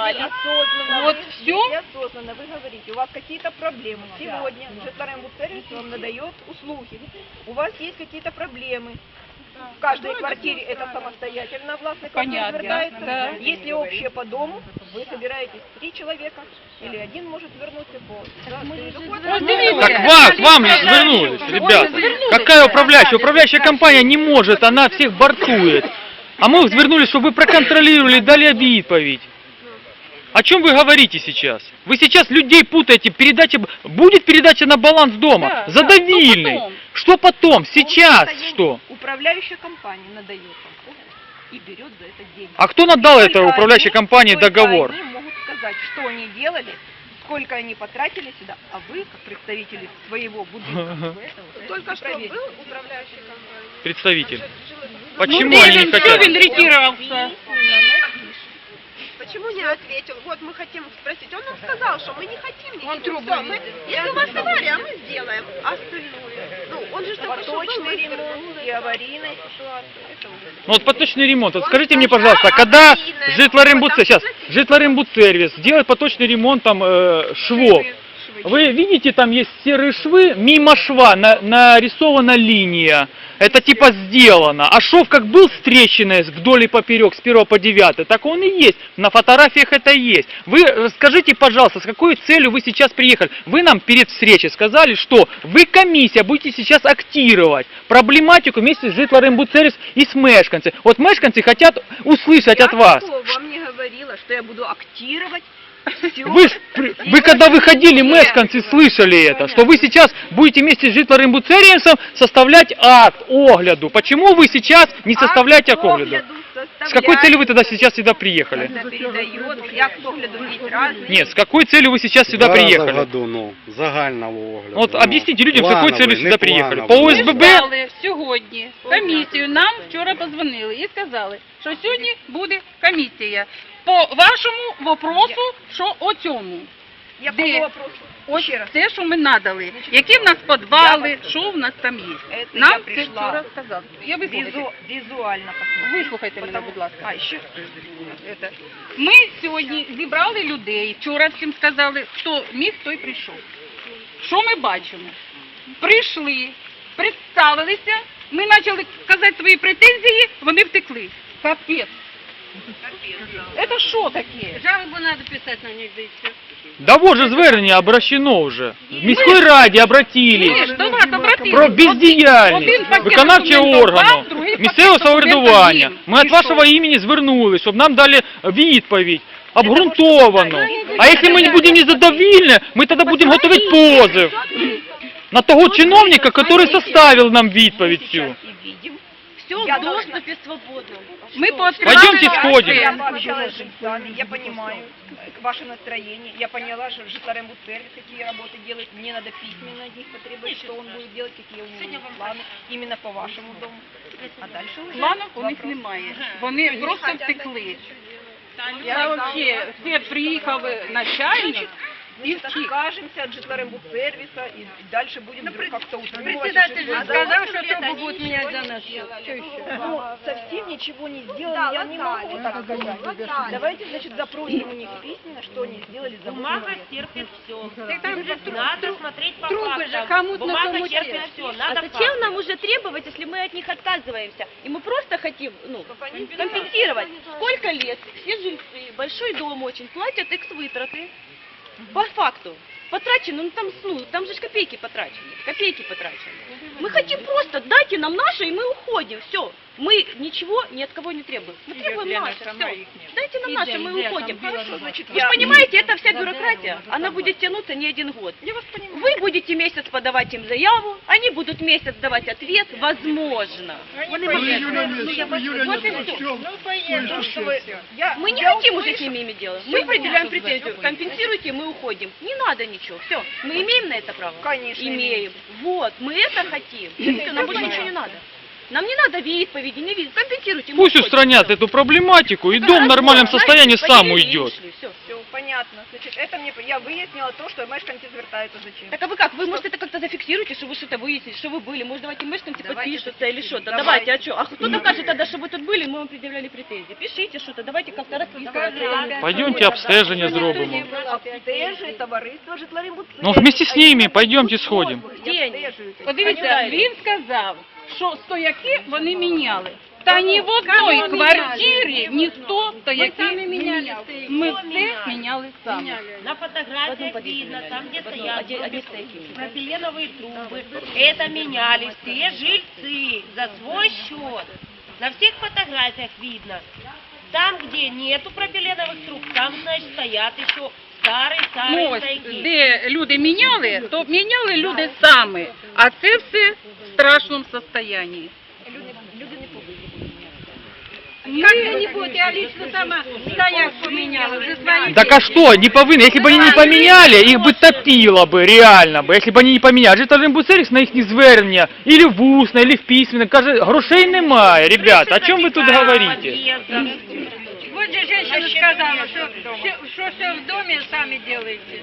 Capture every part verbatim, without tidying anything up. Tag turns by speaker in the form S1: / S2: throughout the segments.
S1: сказали.
S2: осознанно,
S1: Вот
S2: вы,
S1: все.
S2: если осознанно вы говорите, у вас какие-то проблемы. Сегодня Житлорембудсервис вам надает услуги. У вас есть какие-то проблемы. В каждой квартире это самостоятельно властный
S1: Понятно,
S2: звертается.
S1: да.
S2: Если общее по дому, вы собираетесь три человека, или один может вернуться по... Да,
S1: Ну,
S3: Так вас, вам же звернулись, ребята. Какая управляющая? Управляющая компания не может, она всех бортует. А мы звернулись, чтобы вы проконтролировали, дали відповідь. О чем вы говорите сейчас? Вы сейчас людей путаете. Передача, будет передача на баланс дома.
S1: Да,
S3: Задавильный.
S1: да,
S3: Что потом? Сейчас что?
S2: Управляющая компания надает вам и берет за это деньги.
S3: А кто надал
S2: Только
S3: этой управляющей
S2: они-
S3: компании
S2: только
S3: договор?
S2: Они могут сказать, что они делали, сколько они потратили сюда, а вы, как представители своего будущего,
S4: Только что был управляющий компанией.
S3: Представитель.
S1: Ну,
S3: Почему они не
S1: Девин,
S3: хотят?
S1: Девин ретировался.
S4: Почему не ответил? Вот мы хотим спросить. Он нам сказал, что мы не хотим ничего.
S1: Он трубы
S4: Всё, мы-
S1: видит.
S4: Если у вас авария, мы сделаем. А остальное? Ну, он же только что был,
S2: поточный
S4: мы
S2: ремонт и аварийная ситуация. Это уже.
S3: Ну вот поточный ремонт. Вот скажите мне, пожалуйста, когда Житлорембудсервис, сейчас, Житлорембудсервис делает поточный ремонт там э, швов. Вы видите, там есть серые швы, мимо шва на, нарисована линия. Это типа сделано. А шов как был с трещиной вдоль и поперек, с первого по девятый, так он и есть. На фотографиях это есть. Вы э, скажите, пожалуйста, с какой целью вы сейчас приехали? Вы нам перед встречей сказали, что вы, комиссия, будете сейчас актировать проблематику вместе с Житлорембудсервис и с мешканцами. Вот мешканцы хотят услышать от вас.
S2: Я вам не говорила, что я буду актировать. Всё.
S3: Вы, ж при- вы когда выходили, мешканцы слышали это, что вы сейчас будете вместе с Житлорембудсервисом составлять акт огляду. Почему вы сейчас не составляете акт огляду? С какой целью вы тогда сейчас сюда приехали?
S2: Когда передает, я к огляду есть разные.
S3: Нет, с какой целью вы сейчас сюда
S5: Два рази в
S3: приехали?
S5: году, ну, загального огляду.
S3: Вот
S5: ну,
S3: объясните людям, с какой
S5: плановий,
S3: целью сюда
S5: не
S3: приехали.
S5: плановий.
S3: По
S1: Ми
S3: ОСББ?
S1: ждали сьогодні комісію. Нам вчора подзвонили і сказали, що сьогодні буде комісія по вашому вопросу, що о цьому.
S2: Якого
S1: Де?
S2: вопросу?
S1: Ось
S2: Ще раз.
S1: те, що ми надали. Які в нас підвали, що в нас там є.
S2: Це я
S1: Нам це
S2: прийшла.
S1: вчора сказали. Я вислухайте.
S2: Визу, визуально посмотреть.
S1: Вислухайте мене,
S2: Потому-
S1: будь ласка.
S2: А, ще?
S1: Это. Ми сьогодні зібрали людей, вчора всім сказали, хто міг, той прийшов. Що ми бачимо? Прийшли, представилися, ми почали казати свої претензії, вони втекли. Капець. Это що таке?
S4: Жалобу надо писать на них, да и все.
S3: Да вот же звернення обращено вже. В міській раді
S1: Ні,
S3: обратились.
S1: ж до вас обратились.
S3: Про
S1: Один
S3: бездіяльність
S1: пакет
S3: виконавчого
S1: документів
S3: органу,
S1: вам, другий пакет
S3: місцевого
S1: документів
S3: самоврядування.
S1: їм.
S3: Ми від
S1: І
S3: вашого
S1: що?
S3: імені звернулись, щоб нам дали відповідь. Обґрунтованно. А якщо ми не будемо незадовільні, ми тоді будемо готувати позов на того чиновника, який составив нам відповідь цю.
S2: И видим.
S4: Все
S2: Я
S4: в
S2: должна-
S4: доступе свободном.
S1: Ми
S3: Пойдемте сходим.
S2: Я пообщалась с жильцами, я понимаю э, ваше настроение, я поняла, что Житлорембудсервис какие работы делает, мне надо письменно от них потребовать, что он будет делать, какие у него планы, именно по вашему дому. А дальше уже
S1: Планів у них
S2: вопрос.
S1: немає. Вони просто втекли. Я вообще, все приїхав начальник і
S2: Значит,
S1: втік.
S2: откажемся от Житлорембудсервиса и дальше будем как-то утримывать.
S4: Председатель же
S2: А
S4: сказал,
S2: за
S4: что
S2: лет
S4: трубу
S2: они
S4: будут
S2: ничего
S4: менять за
S2: не
S4: нас.
S2: сделали.
S4: Что еще?
S2: Ну, совсем ничего не сделали, я не могу так сказать. Давайте, значит, запросим у них письменно, что они сделали за
S6: Бумага
S2: восемь лет.
S6: терпит все. Надо смотреть по
S4: трубы же
S6: фактам.
S4: кому-то на
S6: Бумага
S4: кому-то.
S6: терпит все.
S7: А
S6: Надо
S7: зачем
S6: факты.
S7: нам уже требовать, если мы от них отказываемся? И мы просто хотим, ну, компенсировать. Сколько лет все жильцы, большой дом очень, платят экс-вытраты. По факту. Потрачено, ну там, ну, там же ж копейки потрачены, копейки потрачены. Мы хотим просто, дайте нам наше, и мы уходим, все. Мы ничего ни от кого не требуем. Мы требуем наше, все. Дайте нам наше, мы уходим.
S2: Хорошо, значит,
S7: Вы же понимаете, это вся бюрократия, она будет тянуться не один год.
S2: Я вас понимаю.
S7: Вы будете месяц подавать им заяву, они будут месяц давать ответ, возможно.
S2: Вони можуть- ну, я вас- вот и всё. То, что вы- я-
S7: Мы не
S2: я
S7: хотим уже с
S2: услышала.
S7: ними иметь дело. Мы определяем претензию. Компенсируйте, мы уходим. Не надо ничего. Все. Мы имеем на это право?
S2: Конечно,
S7: Имеем. Вот. Мы это хотим. Всё, нам больше ничего не надо. Нам не надо відповіді, не відповіді. Компенсируйте. мы
S3: Пусть
S7: уходим.
S3: устранят
S7: Всё.
S3: эту проблематику, и дом в нормальном состоянии сам уйдет.
S7: Все.
S2: Все, понятно. понятно. Значит, это мне, я выяснила то, что мешканцы звертаются зачем.
S7: Так а вы как? Вы, может, это как-то зафиксируете, что вы что-то выяснили, что вы были? Может, давайте мешканцы
S2: Давайте
S7: подпишутся или что-то?
S2: Давайте.
S7: Давайте, а что? А кто докажет тогда, что вы тут были, мы вам предъявляли претензии? Пишите что-то, давайте как-то расписываться.
S3: Пойдемте обстеження зробимо.
S2: Обстежує товариство житлорембудсервіс.
S3: Ну, вместе с ними пойдемте сходим.
S7: День.
S1: Подивіться, він сказав, що стояки вони міняли. Та ні в одній квартирі ніхто стояки не міняв. Ми все міняли самі.
S6: На фотографиях видно, там где стоят
S7: Одни- одни стояки.
S6: пропиленовые трубы. Это меняли все жильцы за свой счет. На всех фотографиях видно. Там, где нету пропиленовых труб, там, значит, стоят еще
S1: Ну,
S6: старые-старые
S1: ось,
S6: стояки.
S1: де люди міняли, то міняли люди самі. А це все в страшному стані.
S2: Люди, люди не повинні.
S1: Как вы не будете, я лично сама стояк поменяла, уже свои.
S3: Так а что, не повинны? Если бы они не поменяли, их бы топило бы, реально бы. Если бы они не поменяли. Житлорембудсервіс на їхні звернення, или в усно, или в письменно, каже, грошей немає, ребята, о чем вы тут говорите?
S1: Вот же женщина сказала, что, что все в доме сами делаете.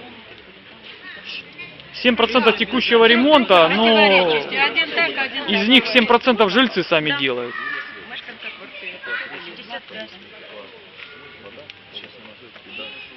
S3: семь процентов текущего ремонта, но
S1: Один так, один так.
S3: из них семь процентов жильцы сами делают.
S2: Мешканця квартири.
S6: шестьдесят пять.